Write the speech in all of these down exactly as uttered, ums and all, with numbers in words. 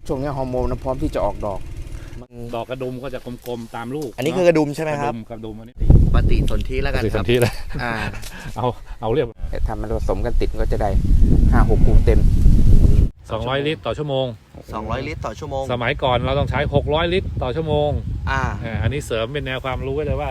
ช่วงนี้ฮอร์โมนพร้อมที่จะออกดอกดอกกระดุมก็จะกลมๆตามลูกอันนี้คือกระดุมใช่ไหมครับกระดุมอันนี้ปฏิสนธิแล้วกันครับปฏิสนธิเลยอ่าเอาเอาเรียบถ้ามันผสมกันติดก็จะได้ห้าหกคูเต็มสองร้อยลิตรต่อชั่วโมงสองร้อยลิตรต่อชั่วโมงสมัยก่อนเราต้องใช้หกร้อยลิตรต่อชั่วโมงอ่าอันนี้เสริมเป็นแนวความรู้ไว้เลยว่า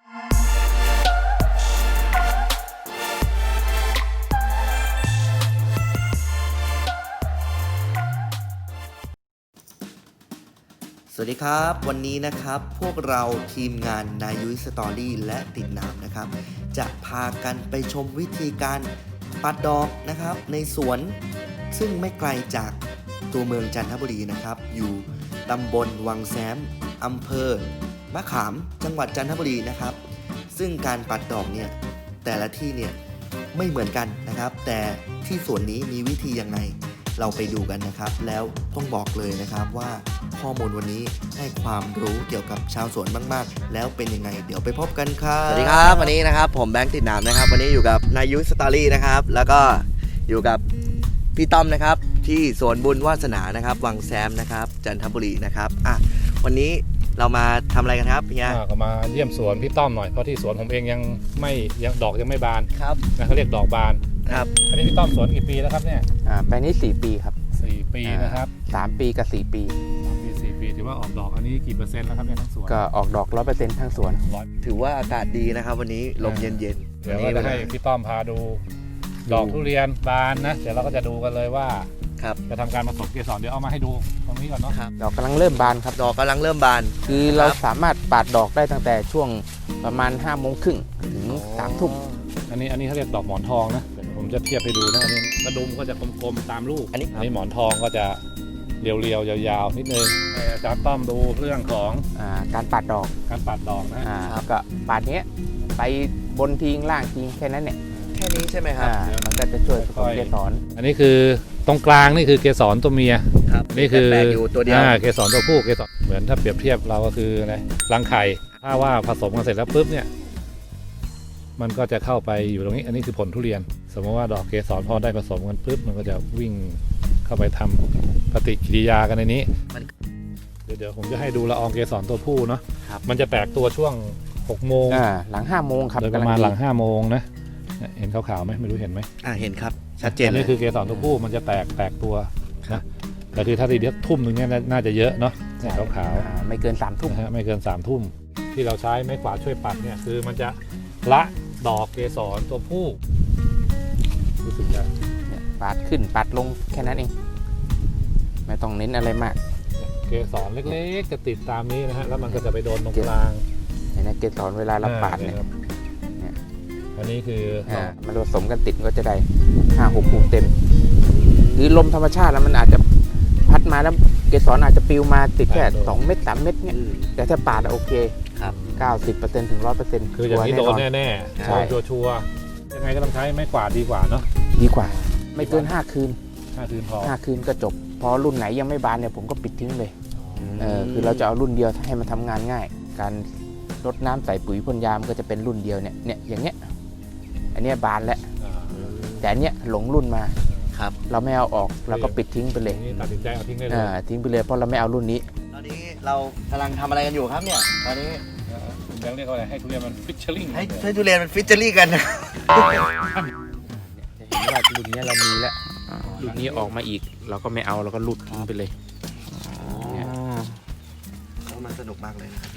สวัสดีครับวันนี้นะครับพวกเราทีมงานนายุ้ยสตอรี่และติดน้ำนะครับจะพากันไปชมวิธีการปัดดอกนะครับในสวนซึ่งไม่ไกลจากตัวเมืองจันทบุรีนะครับอยู่ตำบลวังแซ้มอำเภอมะขามจังหวัดจันทบุรีนะครับซึ่งการปัดดอกเนี่ยแต่ละที่เนี่ยไม่เหมือนกันนะครับแต่ที่สวนนี้มีวิธียังไงเราไปดูกันนะครับแล้วต้องบอกเลยนะครับว่าข้อมูลวันนี้ให้ความรู้เกี่ยวกับชาวสวนมากๆแล้วเป็นยังไงเดี๋ยวไปพบกันครับสวัสดีครับวันนี้นะครับผมแบงค์ติดน้ำนะครับวันนี้อยู่กับนายุ้ยสตอรี่นะครับแล้วก็อยู่กับพี่ต้อมนะครับที่สวนบุญวาสนานะครับวังแซมนะครับจันทบุรีนะครับอ่ะวันนี้เรามาทำอะไรกันครับพี่ยาก็มาเยี่ยมสวนพี่ต้อมหน่อยเพราะที่สวนผมเองยังไม่ยังดอกยังไม่บานครับนะเขาเรียกดอกบานครับอันนี้พี่ต้อมสวนกี่ปีแล้วครับเนี่ยอ่าไปนี้สี่ปีครับสี่ปีนะครับสามปีกับสี่ปีสามปีสี่ปีถือว่าออกดอกอันนี้กี่เปอร์เซ็นต์แล้วครับเนี่ยทั้งสวนก็ออกดอกร้อยเปอร์เซ็นต์ทั้งสวนถือว่าอากาศดีนะครับวันนี้ลมเย็นเย็นเดี๋ยวเราจะให้พี่ต้อมพาดูดอกทุเรียนบานนะเดี๋ยวเราก็จะดูกันเลยว่าจะทำการผสมเกสรเดี๋ยวเอามาให้ดูตรงนี้ก่อนเนาะดอกกำลังเริ่มบานครับดอกกำลังเริ่มบานคือเราสามารถปาดดอกได้ตั้งแต่ช่วงประมาณห้าโมงครึ่งถึงสามทุ่มอันนี้อันนี้เขาเรียกดอกหมอนทองนะผมจะเทียบให้ดูนะอันนี้กระดุมก็จะกลมๆตามลูกอันนี้อันนี้หมอนทองก็จะเรียวๆยาวๆนิดนึงอาจารย์ต้อมดูเรื่องของอ่าการปาดดอกการปาดดอกนะอ่าก็ปาดเนี้ยไปบนทิ้งล่างทิ้งแค่นั้นเนี่ยแค่นี้ใช่ไหมครับมันก็จะช่วยผสมเกสรอันนี้คือตรงกลางนี่คือเกสรตัวเมียนี่คือตัวเดียวเกสรตัวผู้เกสรเหมือนถ้าเปรียบเทียบเราก็คืออะไรรังไข่ถ้าว่าผสมกันเสร็จแล้วปุ๊บเนี่ยมันก็จะเข้าไปอยู่ตรงนี้อันนี้คือผลทุเรียนสมมติว่าดอกเกสรพอได้ผสมกันปุ๊บมันก็จะวิ่งเข้าไปทำปฏิกิริยากันในนี้เดี๋ยวเดี๋ยวผมจะให้ดูละอองเกสรตัวผู้เนาะมันจะแตกตัวช่วงหกโมงหลังห้าโมงครับโดยประมาณหลังห้าโมงนะเห็นขาวๆไหมไม่รู้เห็นไหมอ่าเห็นครับชัดเจนอันนี้คือเกสรตัวผู้มันจะแตกแตกตัวนะแต่คือถ้าทีเดียวทุ่มหนึ่งเนี่ยน่าจะเยอะเนาะขาวขาวไม่เกินสามทุ่มไม่เกินสามทุ่มที่เราใช้ไม้กวาดช่วยปัดเนี่ยคือมันจะละดอกเกสรตัวผู้รู้สึกจะปาดขึ้นปาดลงแค่นั้นเองไม่ต้องเน้นอะไรมากเกสรเล็กๆจะติดตามนี้นะฮะแล้วมันก็จะไปโดนตรงกลางเห็นไหมเกสรเวลาเราปาดเนี่ยอันนี้คือมันผสมกันติดก็จะได้ห้าหกคูเต็มหรือลมธรรมชาติแล้วมันอาจจะพัดมาแล้วเกสรอาจจะปลิวมาติดแค่สองเม็ดสามเม็ดเนี่ยแต่ถ้าปาดโอเคครับเก้าสิบเปอร์เซ็นต์ถึงร้อยเปอร์เซ็นต์คืออย่างนี้โดนแน่ๆใช่ชัวร์ๆยังไงก็ต้องใช้ไม้กวาดดีกว่าเนาะดีกว่าไม่เกินห้าคืนห้าคืนพอห้าคืนก็จบพอรุ่นไหนยังไม่บานเนี่ยผมก็ปิดทิ้งเลยเออคือเราจะเอารุ่นเดียวให้มันทำงานง่ายการรดน้ำใส่ปุ๋ยพ่นยามันก็จะเป็นรุ่นเดียวเนี่ยเนี่ยอย่างเงี้ยอันนี้บานแล้วแต่อันเนี้ยหลงรุ่นมาครับเราไม่เอาออกเราก็ปิดทิ้งไปเลยตัดสินใจเอาทิ้งได้เลยทิ้งไปเลยเพราะเราไม่เอารุ่นนี้ตอนนี้เรากำลังทำอะไรกันอยู่ครับเนี่ยตอนนี้ยังเรียกว่าอะไรให้ทุเรียนมันฟิชเชอร์ลิงให้ให้ทุเรียนมันฟิชเชอร์ลิงกันนะจะเห็นว่ารุ่นนี้เรามีแล้วรุ่นนี้ออกมาอีกเราก็ไม่เอาเราก็ลุดทิ้งไปเลยเขามันสนุกมากเลยนะครับ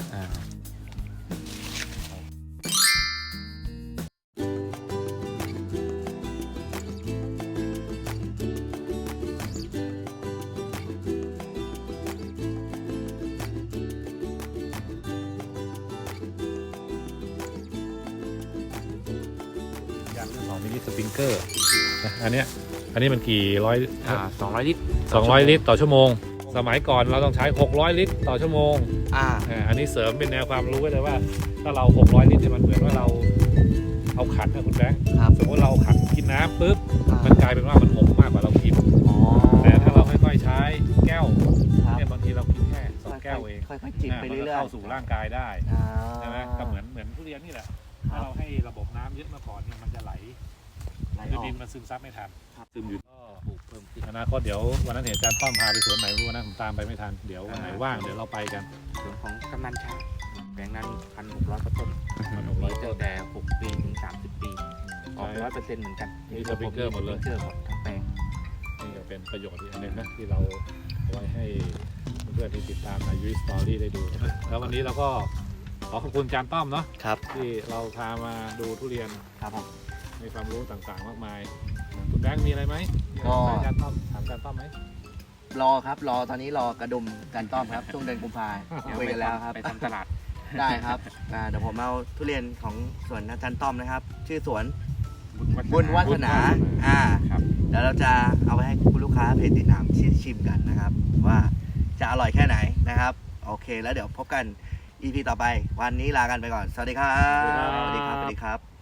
ของมินิสปริงเกอร์อันนี้อันนี้มันกี่ร้อยอ่าสองร้อยลิตรสองร้อยลิตรต่อชั่วโมงสมัยก่อนเราต้องใช้หกร้อยลิตรต่อชั่วโมงอ่าอันนี้เสริมเป็นแนวความรู้ไว้เลยว่าถ้าเราหกร้อยลิตรเนี่ยมันเหมือนว่าเราเอาขันนะคุณแบงค์สมมติเราขันกินน้ำปุ๊บมันกลายเป็นว่ามันหกมากกว่าเรากินแต่ถ้าเราค่อยๆใช้แก้วเนี่ยบางทีเรากินแค่สองแก้วเองค่อยๆจิบไปเรื่อยๆเข้าสู่ร่างกายได้ใช่ไหมก็เหมือนเหมือนทุเรียนนี่แหละถ้าเราให้ระบบน้ำเยอะมาก่อนเนี่ยมันจะไหลไหลออกดินมันซึมซับไม่ทันครับซึมอยู่ก็ปลูกเพิ่มขึ้นอนาคตเดี๋ยววันนั้นเห็นอาจารย์ป้อมพาไปสวนไหนไม่รู้วันนั้นผมตามไปไม่ทันเดี๋ยววันไหนว่างเดี๋ยวเราไปกันส่วนของกำนันช้างแปลงนั้นพันหกร้อยต้นมันหกร้อยมีต้ตั้นงแต่หกปีถึงสามสิบปีออกร้อยเปอร์เซ็นต์เหมือนกันมีสปริงเกอร์หมดเลยสปงเกอร์หมดทั้งแปลงนี่ก็เป็นประโยชน์อีกอันหนึงนะที่เราเอาไว้ให้เพื่อนๆที่ติดตามในยูสตอรี่ได้ดูนะแล้ววันนี้เราก็ขอขอบคุณอาจารย์ต้อมเนาะครับที่เราพามาดูทุเรียนครับผมมีความรู้ต่างๆมากมายคุณแบงค์มีอะไรไหมก็ถามอาจารย์ต้อมถามอาจารย์ต้อมไหมรอครับรอตอนนี้รอกระดุมกันต้อมครับ ช่วงเดือนกุมภาคุยกันแล้วครับไปทำตลาดได้ครับอ่าเดี๋ยวผมเอาทุเรียนของสวนอาจารย์ต้อมนะครับ ชื่อสวนบุญวัฒนาอ่าครับเดี๋ยวเราจะเอาไปให้คุณลูกค้าเพจติดตามชิมกันนะครับ ว่าจะอร่อยแค่ไหนนะครับ โอเคแล้วเดี๋ยวพบกัน อี พี ต่อไปวันนี้ลากันไปก่อน สวัสดีครับสวัสดีครับสวัสดีครับ